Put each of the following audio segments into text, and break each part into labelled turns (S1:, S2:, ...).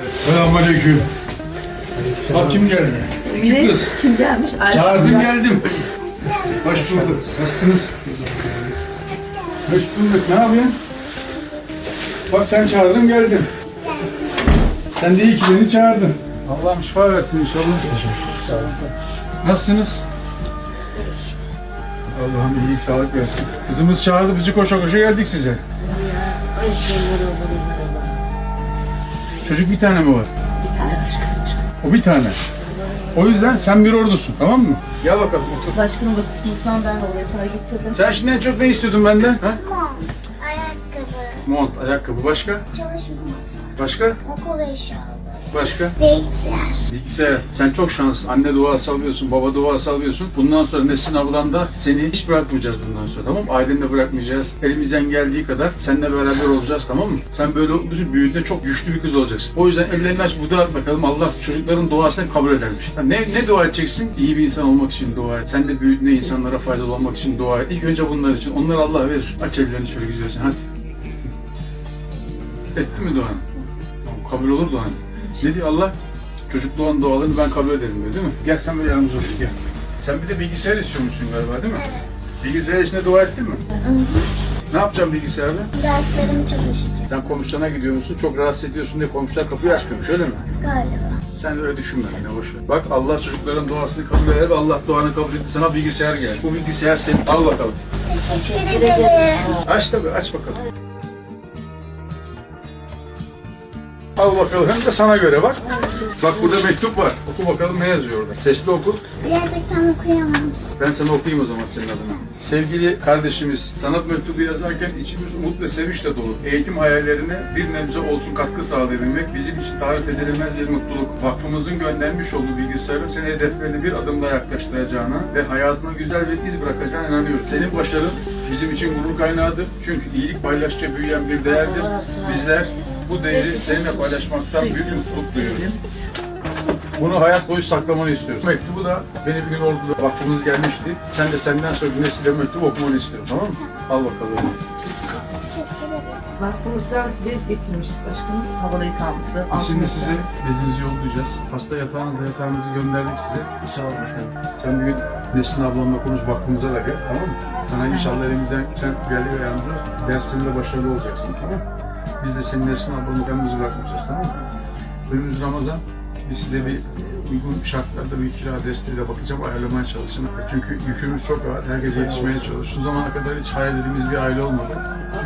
S1: Selamünaleyküm. Bak kim geldi? Küçük kız.
S2: Kim gelmiş?
S1: Çağırdım geldim. Hoş bulduk. Nasılsınız? Hoş bulduk. Ne yapıyorsun? Bak sen çağırdın geldim. Sen de iyi ki beni çağırdın. Allah'ım şifa versin inşallah. Nasılsınız? Allah'ım iyi sağlık versin. Kızımız çağırdı bizi koşa koşa geldik size. Çocuk bir tane mi var? O bir tane. O yüzden sen bir ordusun, tamam mı? Gel bakalım otur.
S2: Başkanım bakışımızdan ben oraya para getirdim.
S1: Sen şimdi en çok ne istiyordun benden? Ha?
S3: Mont, ayakkabı,
S1: Mont, ayakkabı, başka?
S3: çalışma masası,
S1: Başka?
S3: okul eşyaları,
S1: Başka?
S3: bilgisayar.
S1: Bilgisayar. Sen çok şanslısın. Anne duası alıyorsun, baba duası alıyorsun. Bundan sonra Nesin ablan da seni hiç bırakmayacağız bundan sonra, tamam mı? Aileni de bırakmayacağız. Elimizden geldiği kadar seninle beraber olacağız, tamam mı? Sen böyle olunca büyüdüğünde çok güçlü bir kız olacaksın. O yüzden ellerini aç, bu dua et bakalım. Allah çocukların duasını kabul edermiş. Ne dua edeceksin? İyi bir insan olmak için dua et. Sen de büyüdüğünde insanlara faydalı olmak için dua et. İlk önce bunlar için. Onları Allah verir. Aç ellerini şöyle güzelce. Hadi. Etti mi duanı? Kabul olur duanı. Ne diyor Allah? Çocuk doğan dualarını ben kabul ederim diyor, değil mi? Gel sen böyle yanımıza otur, gel. Sen bir de bilgisayar istiyormuşsun galiba, değil mi? Bilgisayar içinde dua ettin mi? Ne yapacağım bilgisayarla?
S3: Derslerim çalışacak
S1: Sen komşularına gidiyor musun? Çok rahatsız ediyorsun diye komşular kapıyı açmıyormuş, öyle mi?
S3: galiba.
S1: Sen öyle düşünme yine, boş ver. Bak Allah çocukların duasını kabul eder ve Allah duanı kabul etti. Sana bilgisayar geldi. Bu bilgisayar senin. Al bakalım.
S3: Teşekkür ederim.
S1: Aç tabii, aç bakalım. Al bakalım, hem de sana göre bak. Bak burada mektup var. Oku bakalım ne yazıyor orada. Sesli oku.
S3: Gerçekten okuyamam.
S1: Ben sana okuyayım o zaman senin adına. Sevgili kardeşimiz, sanat mektubu yazarken içimiz umut ve sevinçle dolu. Eğitim hayallerine bir nebze olsun katkı sağlayabilmek bizim için tarif edilemez bir mutluluk. Vakfımızın göndermiş olduğu bilgisayarın seni hedeflerine bir adım daha yaklaştıracağına ve hayatına güzel bir iz bırakacağına inanıyoruz. Senin başarın bizim için gurur kaynağıdır. Çünkü iyilik paylaşça büyüyen bir değerdir. Bizler bu değeri seninle paylaşmaktan büyük mutluluk duyuyoruz. Bunu hayat boyu saklamanı istiyoruz. Mektubu da beni bir gün orduda vaktimiz gelmişti. Sen de senden sonra nesile mektubu okumanı istiyorum, tamam mı? Al bakalım.
S3: Teşekkür ederim.
S2: Vakfımızdan bez getirmiştik başkanım. Havalı yıkanması.
S1: Biz şimdi size bezinizi yollayacağız. Hasta yatağınızı gönderdik size. Sağ olun başkanım. Sen bir gün Nesin ablamla konuş, vakfımıza da gel, tamam mı? Sana inşallah elimizden sen geldi ve yardımcı ol. Derslerinde başarılı olacaksın, tamam mı? Biz de senin Nesin ablamı yalnız bırakmayacağız, tamam mı? Önümüz Ramazan. Biz size bir uygun şartlarda bir kira desteğiyle bakacağım, ayarlamaya çalışın. Çünkü yükümüz çok ağır, herkese yetişmeye çalışıyoruz. Bu zamana kadar hiç hayal ettiğimiz bir aile olmadı.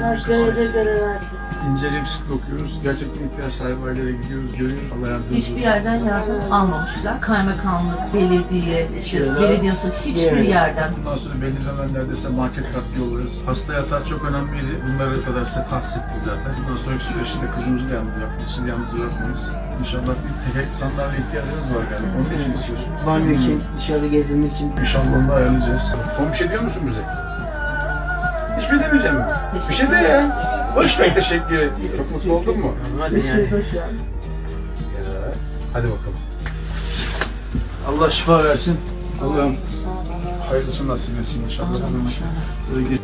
S1: İnceleyip sık okuyoruz. Gerçekten ihtiyaç sahibi ailelere gidiyoruz, görüyoruz. Allah yardımcımız olsun.
S2: Hiçbir yerden yardım almamışlar. Kaymakamlık, belediye, belediye hiçbir yerden.
S1: Bundan sonra belli dönemlerde ise market katkı yollarız. Hasta yatağı çok önemliydi. Bunları kadar size tahsis ettik zaten. Bundan sonraki süreçte kızımızı da yalnız yapmayız. Sizi yalnız bırakmayız. İnşallah bir tek sandalye ihtiyacınız var galiba. Onun için istiyorsunuz.
S4: Banyo için, dışarı gezinmek için.
S1: İnşallah onu da ayarlayacağız. Son bir şey diyor musun bize? Hiçbir şey demeyeceğim mi? Bir şey de ya. Boş ver, teşekkür ederim. Çok mutlu oldun mu?
S4: Hadi yani.
S1: Hadi bakalım. Allah şifa versin. Allah'ım hayırlısını nasip etsin inşallah. Size